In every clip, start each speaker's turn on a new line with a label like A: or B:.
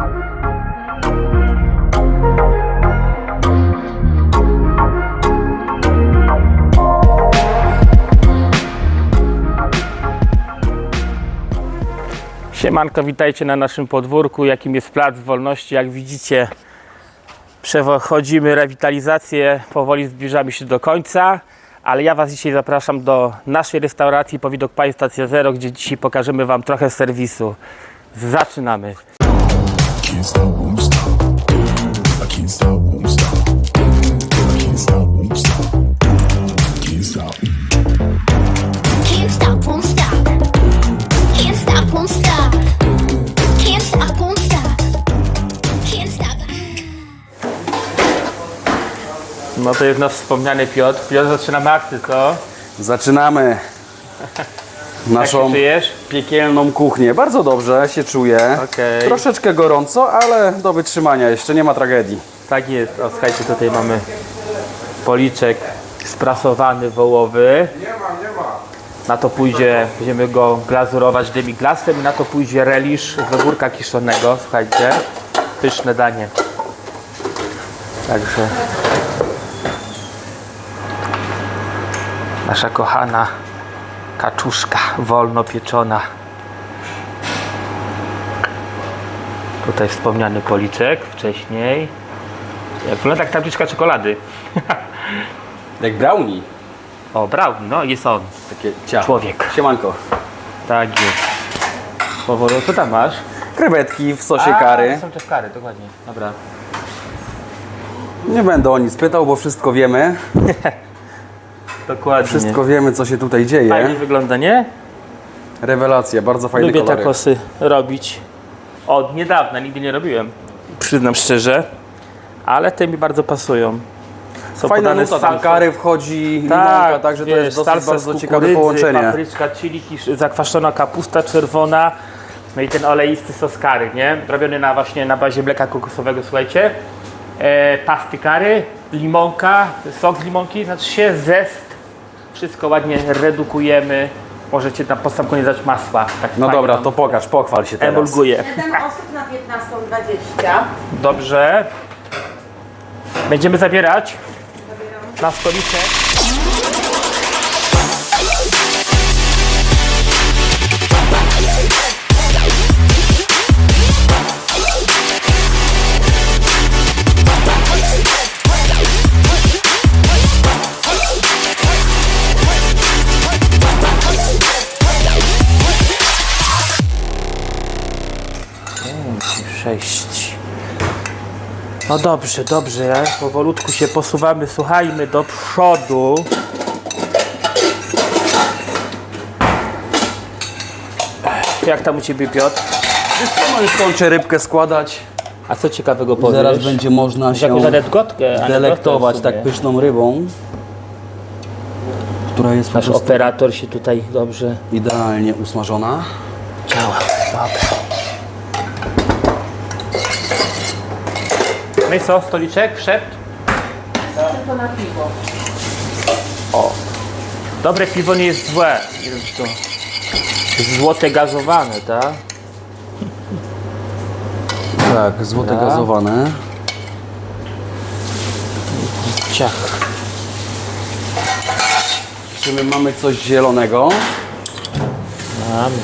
A: Siemanko, witajcie na naszym podwórku, jakim jest Plac Wolności. Jak widzicie, przechodzimy rewitalizację, powoli zbliżamy się do końca, ale ja Was dzisiaj zapraszam do naszej restauracji Powidok Pie Stacja Zero, gdzie dzisiaj pokażemy Wam trochę serwisu. Zaczynamy!
B: Can't stop, won't stop. I can't stop, won't stop. I can't stop, won't stop. Can't stop.
C: Can't stop, won't stop. Can't stop, won't stop. Can't stop, won't stop. Can't stop.
A: No to jest nasz wspomniany Piotr. Piotr, zaczynamy akcję, co?
D: Zaczynamy
A: Jak
D: naszą
A: się czujesz?
D: piekielną kuchnię. Bardzo dobrze się czuję.
A: Okej.
D: Troszeczkę gorąco, ale do wytrzymania. Jeszcze nie ma tragedii.
A: Tak jest. O, słuchajcie, tutaj mamy policzek sprasowany wołowy. Na to pójdzie, będziemy go glazurować demiglasem i na to pójdzie relisz z ogórka kiszonego. Słuchajcie, pyszne danie. Także nasza kochana kaczuszka wolno pieczona. Tutaj wspomniany policzek wcześniej. Jak wygląda jak tabliczka czekolady.
D: Jak brownie.
A: O, brownie, no jest on.
D: Takie ciacho.
A: Człowiek.
D: Siemanko.
A: Tak jest. Powoli, co tam masz?
D: Krewetki w sosie curry.
A: Są też kary, dokładnie. Dobra.
D: Nie będę o nic pytał, bo wszystko wiemy.
A: Dokładnie.
D: Wszystko wiemy, co się tutaj dzieje.
A: Fajnie wygląda, nie?
D: Rewelacja, bardzo fajny
A: Lubię
D: kolorek.
A: takosy robić. Od niedawna, nigdy nie robiłem. Przyznam szczerze. Ale te mi bardzo pasują. Są
D: Fajna
A: podane
D: nuta,
A: z
D: tam
A: salsą.
D: curry wchodzi, limonka, także to
A: wiesz,
D: jest dosyć
A: salsa
D: bardzo
A: z
D: ciekawe
A: kukurydzy,
D: połączenie.
A: Papryczka, chili, zakwaszona kapusta czerwona. No i ten oleisty sos curry, nie? Robiony właśnie na bazie mleka kokosowego, słuchajcie. Pasty curry, limonka, sok z limonki, znaczy się zest. Wszystko ładnie redukujemy. Możecie na sam koniec dać masła. Tak
D: No
A: fajnie
D: dobra,
A: tam
D: to pokaż, pochwal się teraz.
A: emulguje.
E: 7 osób na 15:20.
A: Dobrze. Będziemy zabierać na stoliczek. Sześć. No dobrze, dobrze. Powolutku się posuwamy, słuchajmy do przodu. Jak tam u Ciebie, Piotr?
D: No już kończę rybkę składać.
A: A co ciekawego powiesz?
D: Zaraz będzie można się
A: jakąś anegdotkę
D: delektować
A: w sumie.
D: tak pyszną rybą, która jest po
A: Nasz
D: prostu
A: operator się tutaj dobrze
D: idealnie usmażona.
A: działa. Dobra. No i co, stoliczek wszedł?
E: Tylko na piwo.
A: Dobre piwo nie jest złe. Nie wiem, czy to złote gazowane, tak?
D: Tak, złote
A: Dobra.
D: gazowane.
A: Ciach.
D: Czy my mamy coś zielonego?
A: Mamy.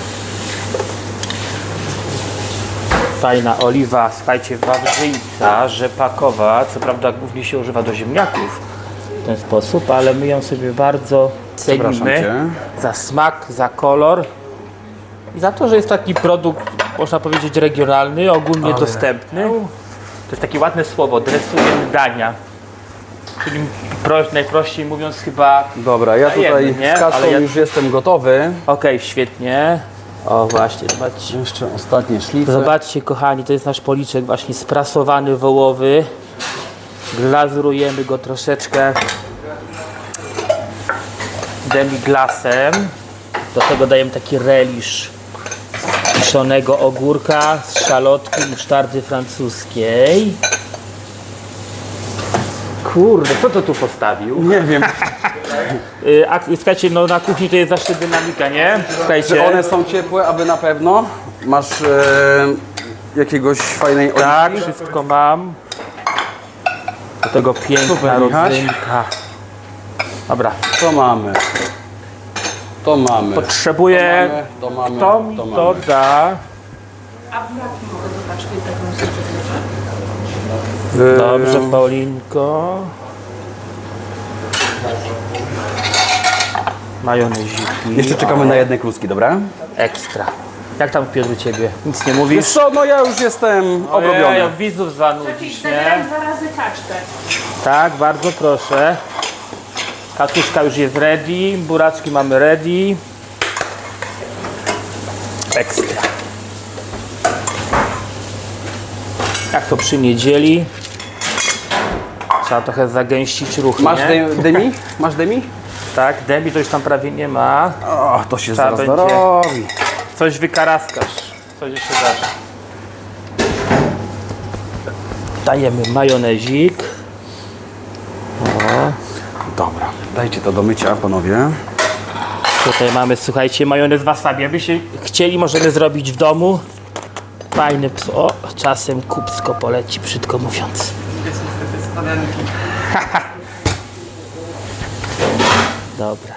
A: Fajna oliwa, słuchajcie, wawrzyńca, rzepakowa. Co prawda głównie się używa do ziemniaków w ten sposób, ale my ją sobie bardzo
D: Przepraszam
A: cenimy
D: cię.
A: za smak, za kolor i za to, że jest taki produkt, można powiedzieć, regionalny, ogólnie dostępny. To jest takie ładne słowo, dresujemy dania. Czyli najprościej mówiąc chyba...
D: Dobra, ja tutaj
A: Dajemy, nie?
D: z kaczką
A: Ale ja-
D: już jestem gotowy.
A: Okej, świetnie. O właśnie, zobaczcie.
D: Jeszcze ostatnie szlify.
A: Zobaczcie, kochani, to jest nasz policzek właśnie sprasowany wołowy. Glazurujemy go troszeczkę demiglasem. Do tego dajemy taki relisz z kiszonego ogórka, z szalotki i musztardy francuskiej. Kurde, kto to tu postawił?
D: Nie wiem,
A: A słuchajcie, no na kuchni to jest zawsze dynamika, nie?
D: czy
A: Słuchajcie.
D: one są ciepłe, aby na pewno. Masz jakiegoś fajnej
A: Tak,
D: oliwki?
A: wszystko mam. Do tego piękna
D: Super, Michaś.
A: rodzynka. Dobra,
D: To mamy. To mamy.
A: potrzebuję...
D: To mamy.
A: Kto mi to
D: mamy.
A: da?
E: A buraki mogę zobaczyć, taką sytuację.
A: Dobrze, Paulinko. Majoneziki.
D: Jeszcze czekamy na jedne kluski, dobra?
A: Ekstra. Jak tam, Piotr, u Ciebie? Nic nie mówisz?
D: Wiesz co, no ja już jestem obrobiony.
A: Ja widzów zanudzisz, nie?
E: Zabieram 2 razy kaczkę.
A: Tak, bardzo proszę. Katuszka już jest ready, buraczki mamy ready. Ekstra. Jak to przy niedzieli? Trzeba trochę zagęścić ruchy,
D: Masz
A: nie?
D: demi? Masz demi?
A: Tak, demi to już tam prawie nie ma.
D: O, to się
A: Trzeba
D: zaraz
A: będzie.
D: dorobi.
A: Coś wykaraskasz. Coś jeszcze dasz. Dajemy majonezik.
D: Dobra, dajcie to do mycia, panowie.
A: Tutaj mamy, słuchajcie, majonez wasabi. Jakbyście chcieli, możemy zrobić w domu. Fajny ps. O, czasem kupsko poleci, brzydko mówiąc. Dobra.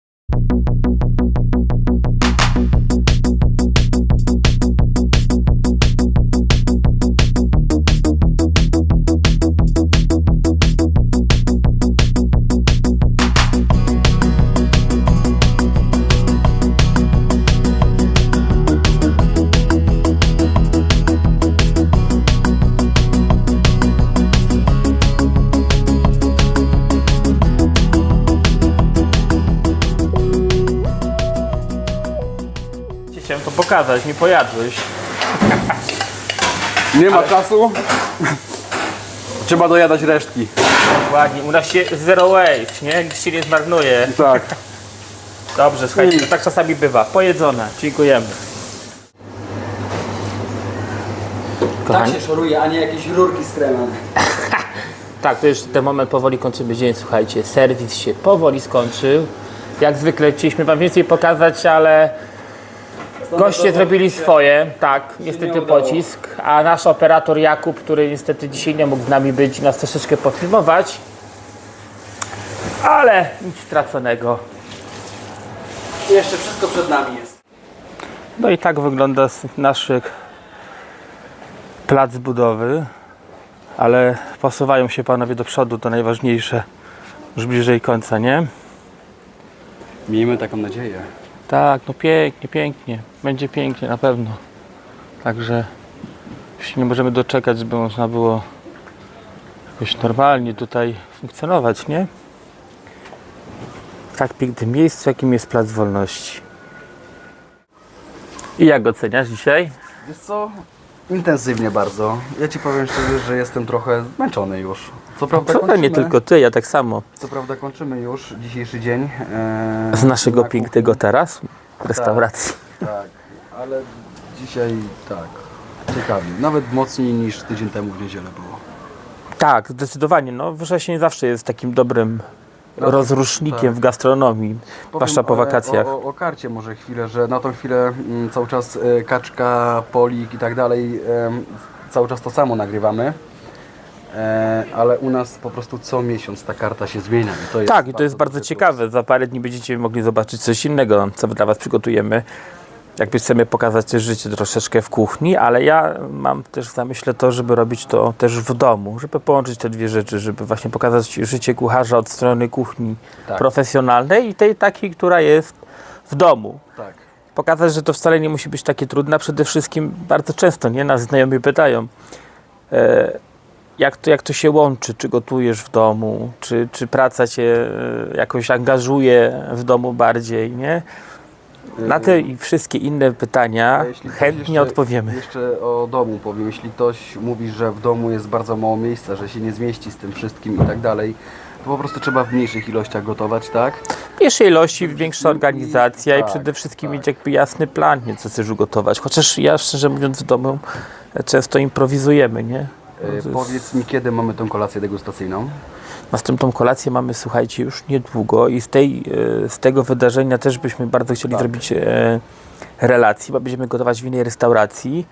A: Chciałem to pokazać, mi pojadłeś.
D: Nie ma czasu. Trzeba dojadać resztki.
A: Ładnie, u nas się zero waste, nie? Nic się nie zmarnuje.
D: Tak.
A: Dobrze, słuchajcie, to tak czasami bywa. Pojedzone, dziękujemy. Kochani,
D: Tak się szoruje, a nie jakieś rurki z kremem.
A: tak, to już ten moment powoli kończymy dzień, słuchajcie. Serwis się powoli skończył. Jak zwykle chcieliśmy wam więcej pokazać, ale goście zrobili swoje, tak, niestety pocisk, a nasz operator Jakub, który niestety dzisiaj nie mógł z nami być, nas troszeczkę pofilmować, ale nic straconego.
D: Jeszcze wszystko przed nami jest.
A: No i tak wygląda nasz plac budowy, ale posuwają się panowie do przodu, to najważniejsze, już bliżej końca, nie?
D: Miejmy taką nadzieję.
A: Tak, no pięknie, pięknie. Będzie pięknie na pewno. Także już się nie możemy doczekać, żeby można było jakoś normalnie tutaj funkcjonować, nie? W tak pięknym miejscu, jakim jest Plac Wolności. I jak oceniasz dzisiaj?
D: Wiesz co? Intensywnie bardzo. Ja ci powiem szczerze, że jestem trochę zmęczony już. Co prawda
A: To nie tylko ty, ja tak samo.
D: Co prawda kończymy już dzisiejszy dzień.
A: Z naszego
D: na
A: pięknego tarasu, restauracji.
D: kuchni. Tak, ale dzisiaj tak. Ciekawie. Nawet mocniej niż tydzień temu w niedzielę było.
A: Tak, zdecydowanie. No, wrzesień zawsze jest takim dobrym rozrusznikiem
D: tak.
A: w gastronomii, zwłaszcza po wakacjach.
D: O karcie może chwilę, że na tą chwilę cały czas kaczka, polik i tak dalej, cały czas to samo nagrywamy. Ale u nas po prostu co miesiąc ta karta się zmienia. I to jest
A: Tak, i to jest bardzo ciekawe. Za parę dni będziecie mogli zobaczyć coś innego, co dla Was przygotujemy. Jakby chcemy pokazać też życie troszeczkę w kuchni, ale ja mam też w zamyśle to, żeby robić to też w domu, żeby połączyć te dwie rzeczy, żeby właśnie pokazać życie kucharza od strony kuchni
D: Tak.
A: profesjonalnej i tej takiej, która jest w domu.
D: Tak.
A: Pokazać, że to wcale nie musi być takie trudne. Przede wszystkim bardzo często nas znajomi pytają, jak to się łączy, czy gotujesz w domu, czy praca cię jakoś angażuje w domu bardziej, nie? Na te i wszystkie inne pytania
D: Jeśli ktoś
A: chętnie odpowiemy.
D: Jeszcze o domu powiem. Jeśli ktoś mówi, że w domu jest bardzo mało miejsca, że się nie zmieści z tym wszystkim i tak dalej, to po prostu trzeba w mniejszych ilościach gotować, tak?
A: W pierwszej ilości większa organizacja i
D: tak,
A: przede wszystkim mieć jakby jasny plan, nie co chcesz ugotować. Chociaż ja szczerze mówiąc w domu często improwizujemy, nie?
D: Powiedz mi, kiedy mamy tę kolację degustacyjną?
A: Następną kolację mamy, słuchajcie, już niedługo i z tego wydarzenia też byśmy bardzo chcieli zrobić relację, bo będziemy gotować w innej restauracji.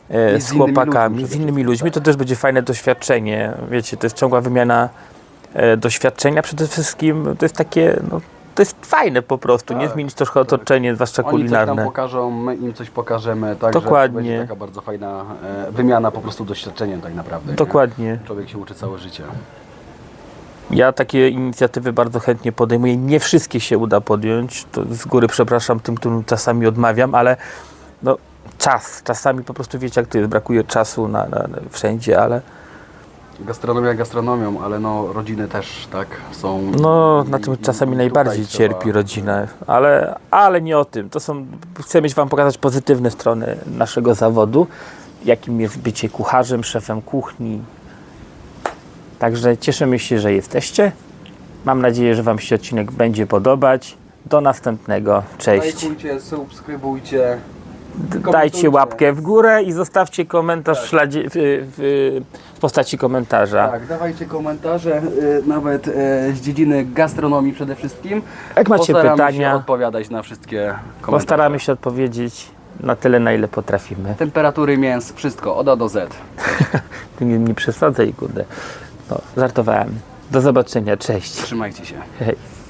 D: I
A: z
D: z innymi
A: chłopakami,
D: ludźmi
A: z
D: przede
A: innymi
D: wszystkim,
A: ludźmi, to też będzie fajne doświadczenie. Wiecie, to jest ciągła wymiana doświadczenia. Przede wszystkim to jest takie, no, to jest fajne po prostu, nie?
D: Tak.
A: Zmienić trochę otoczenie, zwłaszcza
D: Oni coś
A: kulinarne.
D: nam pokażą, my im coś pokażemy, także
A: Dokładnie.
D: to będzie taka bardzo fajna wymiana po prostu doświadczeniem tak naprawdę. nie?
A: Dokładnie.
D: Człowiek się uczy całe życie.
A: Ja takie inicjatywy bardzo chętnie podejmuję. Nie wszystkie się uda podjąć. To z góry przepraszam tym, którym czasami odmawiam, ale no, czasami po prostu wiecie jak to jest, brakuje czasu na wszędzie, ale
D: Gastronomia gastronomią, ale no rodziny też tak są.
A: no
D: I-
A: na tym
D: i-
A: czasami
D: i
A: najbardziej
D: tutaj
A: cierpi
D: trzeba-
A: rodzina, ale nie o tym. Chcemy wam pokazać pozytywne strony naszego zawodu, jakim jest bycie kucharzem, szefem kuchni. Także cieszymy się, że jesteście. Mam nadzieję, że wam się odcinek będzie podobać. Do następnego. Cześć.
D: Lajkujcie, subskrybujcie.
A: Dajcie
D: komentujcie.
A: łapkę w górę i zostawcie komentarz w postaci komentarza.
D: Tak, dawajcie komentarze, nawet z dziedziny gastronomii przede wszystkim.
A: Jak macie
D: Postaramy
A: pytania,
D: się odpowiadać na wszystkie komentarze.
A: postaramy się odpowiedzieć na tyle, na ile potrafimy.
D: Temperatury mięs, wszystko, od A do Z.
A: Tu nie przesadzaj, kurde. No, żartowałem. Do zobaczenia, cześć.
D: Trzymajcie się.
A: Hej.